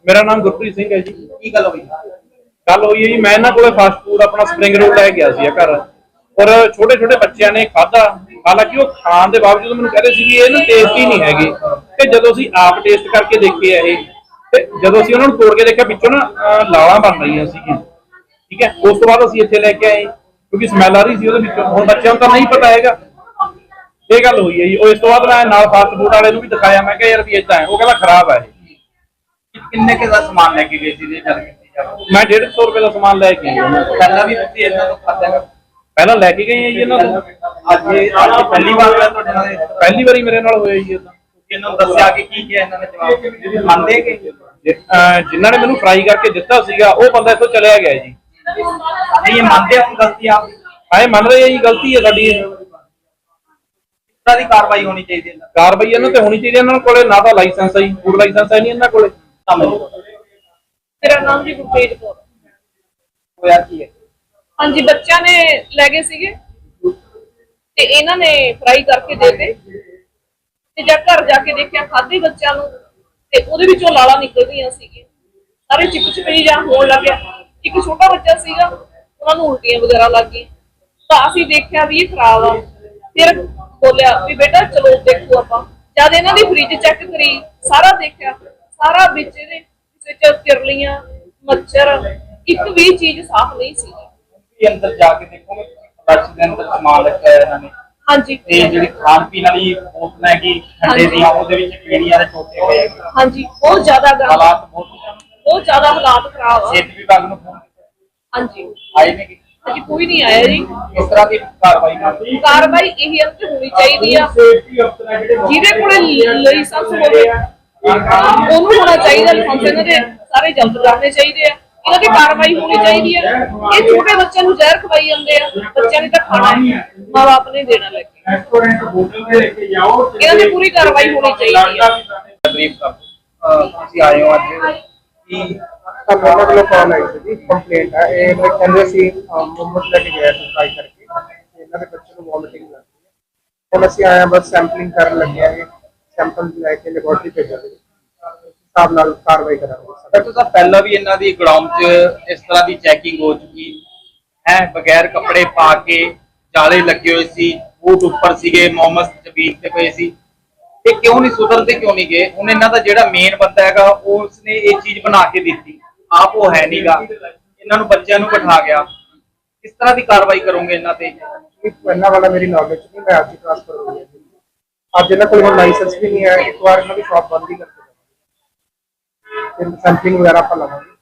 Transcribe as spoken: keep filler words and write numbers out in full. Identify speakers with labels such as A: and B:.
A: मेरा नाम गुरप्रीत सिंह है जी।
B: की गल हुई?
A: गल हुई है जी, मैं इन्हां कोले फास्ट फूड अपना स्प्रिंग रोल लै गया सी घर और छोटे छोटे बच्चों ने खाधा। हालांकि वो खाण के बावजूद मैंने कह रहे थे कि ये ना टेस्टी नहीं हैगे। ते जदों असीं आप टेस्ट करके देखे है ते जदों असीं उन्हां नूं तोड़ के देखिया विचों ना लालां बन रहीआं सीगीआं। ठीक है, उस तो बाद असीं इत्थे लैके आए क्योंकि स्मैल आ रही सी उहदे विचों। हुण बच्चों नूं तां नहीं पता हैगा। ये गल हुई है जी। और इस तो बाद मैं नाल फास्ट फूड वाले नूं भी दिखाया, मैं कहा यार भी इदां है, वो कहंदा खराब है।
B: किन्ने के दा सामान लेके गए सी जे गल कीती जावे?
A: मैं डेढ़ सौ रुपए का सामान लैके आया।
B: पहला भी तुसीं इन्हां तों खाधा है?
A: पहला लैके गए हैं जी इन्हां तों।
B: ਅੱਜ ਇਹ ਅੱਜ ਪਹਿਲੀ ਵਾਰ ਹੋਇਆ ਤੁਹਾਡੇ ਨਾਲ ਇਹ?
A: पहली बारी मेरे नाल होया जी इदां।
B: ਇਹਨਾਂ ਨੂੰ ਦੱਸਿਆ ਕਿ ਕੀ ਕਿਹਾ ਇਹਨਾਂ ਨੇ ਜਵਾਬ ਮੰਨਦੇ ਕਿ
A: जिन्हों ने मैंने फ्राई करके दिता सीगा वो बंदा इथों चलिया गया जी।
B: नहीं ये मानते हो गलती आप?
A: हाँ मान रहे हैं जी, गलती है साडी।
B: किस तरह की कार्रवाई होनी चाहिए?
A: कार्रवाई इन्हां ते होनी चाहिए। इन्हां कोले ना तां लाइसेंस है जी, फूड लाइसेंस है नहीं इन्हां कोले।
C: मेरा नाम जी गुरतेज कौर।
B: होया की है?
C: हाँ जी, बच्चा ने लै गए सीगे ते इन्हां ने फ्राई करके देते ते जब घर जाके देखिया खाधे बच्चों नूं ते ਉਹਦੇ ਵਿੱਚੋਂ ਲਾਲਾ ਨਿਕਲ ਗਈਆਂ ਸੀਗੀਆਂ, ਸਾਰੇ ਚਿੱਕ ਚਿਪੜੀ ਜਾਂ ਹੋਣ ਲੱਗਿਆ। ਇੱਕ ਛੋਟਾ ਬੱਚਾ ਸੀਗਾ, ਉਹਨਾਂ ਨੂੰ ਉਲਟੀਆਂ ਵਗੈਰਾ ਲੱਗ ਗਈਆਂ। ਤਾਂ ਅਸੀਂ ਦੇਖਿਆ ਵੀ ਇਹ ਖਰਾਬ ਆ। ਫਿਰ ਬੋਲਿਆ ਵੀ ਬੇਟਾ ਚਲੋ ਦੇਖੋ ਆਪਾਂ। ਜਦ ਇਹਨਾਂ ਦੀ ਫ੍ਰਿਜ ਚੈੱਕ ਕਰੀ, ਸਾਰਾ ਦੇਖਿਆ, ਸਾਰਾ ਵਿੱਚ ਇਹਦੇ ਕਿਸੇ ਚ ਤਿਰਲੀਆਂ, ਮੱਛਰ, ਇੱਕ ਵੀ ਚੀਜ਼ ਸਾਫ਼ ਨਹੀਂ ਸੀ।
B: ਇਹ ਅੰਦਰ ਜਾ ਕੇ ਦੇਖੋਗੇ ਫਲਸ਼ ਦੇ ਅੰਦਰ ਸਮਾਨ ਰੱਖਿਆ ਹੈ ਇਹਨਾਂ ਨੇ।
C: हाँ जी,
B: ਤੇ ਜਿਹੜੀ ਖਾਣ ਪੀਣ ਵਾਲੀ ਬੋਤਲਾਂ ਹੈਗੀ ਠੰਡੇ ਦੀਆਂ ਉਹਦੇ ਵਿੱਚ ਕੀੜੀਆਂ ਦੇ ਟੋਟੇ ਹੋਏ ਹੈਗੇ।
C: हाँ जी, बहुत ज्यादा गंद,
B: ਹਾਲਾਤ ਬਹੁਤ
C: बहुत ज्यादा हालात खराब है।
B: ਸਿਹਤ ਵਿਭਾਗ ਨੂੰ ਫੋਨ
C: हाँ जी,
B: ਆਏ ਨੇ ਕਿ
C: अभी कोई नहीं आया जी।
B: ਇਸ ਤਰ੍ਹਾਂ ਦੀ ਕਾਰਵਾਈ ਕਰਨੀ
C: कार्रवाई यही अंत होनी चाहिए आ। ਜਿਹਦੇ ਕੋਲੇ ਲਾਇਸੈਂਸ ਹੋਵੇ ਉਹਨੂੰ ਹੋਣਾ ਚਾਹੀਦਾ ਲਾਇਸੈਂਸ। ਇਹਨਾਂ ਦੇ ਸਾਰੇ ਜ਼ਬਤ ਕਰਨੇ ਚਾਹੀਦੇ ਆ। ਇਹਨਾਂ ਦੀ ਕਾਰਵਾਈ ਹੋਣੀ ਚਾਹੀਦੀ ਹੈ। ਇਹ ਛੋਟੇ ਬੱਚਿਆਂ ਨੂੰ ਜ਼ਹਿਰ ਖਵਾਈ ਜਾਂਦੇ ਆ। ਬੱਚਿਆਂ ਨੇ ਤਾਂ ਖਾਣਾ ਮਾਂ ਬਾਪ ਨੇ ਦੇਣਾ ਲੈ ਕੇ।
B: ਰੈਸਟੋਰੈਂਟ ਹੋਟਲ ਦੇ ਲੈ ਕੇ ਜਾਓ
C: ਇਹਨਾਂ ਦੀ ਪੂਰੀ ਕਾਰਵਾਈ ਹੋਣੀ ਚਾਹੀਦੀ ਹੈ।
B: ਤਕਰੀਬ ਕਰ ਤੁਸੀਂ ਆਏ ਹੋ ਅੱਜ ਕੀ
D: ਸਾਨੂੰ ਉਹਨਾਂ ਵੱਲੋਂ ਕਾਲ ਆਈ ਸੀ ਜੀ, ਕੰਪਲੇਂਟ ਹੈ। ਇਹ ਮੈਂ ਕਹਿੰਦੇ ਸੀ ਮੁਹੰਮਦ ਲੈ ਕੇ ਗਿਆ ਸੀ ਫਰਾਈ ਕਰਕੇ, ਤੇ ਇਹਨਾਂ ਦੇ ਬੱਚੇ ਨੂੰ ਵੋਮਿਟਿੰਗ ਲੱਗ ਗਈ ਹੈ। ਹੁਣ ਅਸੀਂ ਆਏ ਹਾਂ, ਬਸ ਸੈਂਪਲਿੰਗ ਕਰਨ ਲੱਗੇ ਹਾਂ। ਸੈਂਪਲ ਲੈ ਕੇ ਲੈਬੋਰਟਰੀ ਭੇਜਾਂਗੇ, ਹਿਸਾਬ ਨਾਲ ਕਾਰਵਾਈ ਕਰਾਂਗੇ।
B: ਸਰ ਤੁਸੀਂ ਪਹਿਲਾਂ ਵੀ ਇਹਨਾਂ ਦੀ ਗਰਾਊਂਡ 'ਚ ਇਸ ਤਰ੍ਹਾਂ ਦੀ ਚੈਕਿੰਗ ਹੋ ਚੁੱਕੀ ਹੈ, ਬਗੈਰ ਕੱਪੜੇ ਪਾ ਕੇ ਜਾਲੇ ਲੱਗੇ ਹੋਏ ਸੀ, ਬੂਟ ਉੱਪਰ ਸੀਗੇ, ਮੋਮਸ ਚਬੀਕ ਤੇ ਪਏ ਸੀ। ਇਹ ਕਿਉਂ ਨਹੀਂ ਸੁਧਰਦੇ, ਕਿਉਂ ਨਹੀਂ ਗਏ? ਹੁਣ ਇਹਨਾਂ ਦਾ ਜਿਹੜਾ ਮੇਨ ਬੰਦਾ ਹੈਗਾ ਉਸਨੇ ਇਹ ਚੀਜ਼ ਬਣਾ ਕੇ ਦਿੱਤੀ, ਆਪ ਉਹ ਹੈ ਨਹੀਂਗਾ। ਇਹਨਾਂ ਨੂੰ ਬੱਚਿਆਂ ਨੂੰ ਬਿਠਾ ਗਿਆ। ਕਿਸ ਤਰ੍ਹਾਂ ਦੀ ਕਾਰਵਾਈ ਕਰੋਗੇ ਇਹਨਾਂ ਤੇ?
D: ਇਹਨਾਂ ਵਾਲਾ ਮੇਰੀ ਨੌਲੇਜ ਨਹੀਂ, ਮੈਂ ਅੱਜ ਹੀ ਟ੍ਰਾਂਸਫਰ ਹੋ ਗਿਆ। ਅੱਜ ਇਹਨਾਂ ਕੋਲ ਲਾਇਸੈਂਸ ਵੀ ਨਹੀਂ ਹੈ। ਇੱਕ ਵਾਰ ਇਹਨਾਂ ਦੀ ਸ਼ਾਪ ਬੰਦ ਹੀ ਕਰਕੇ ਸੈਂਪਲਿੰਗ ਵਗੈਰਾ ਆਪਾਂ ਲਵਾਂਗੇ।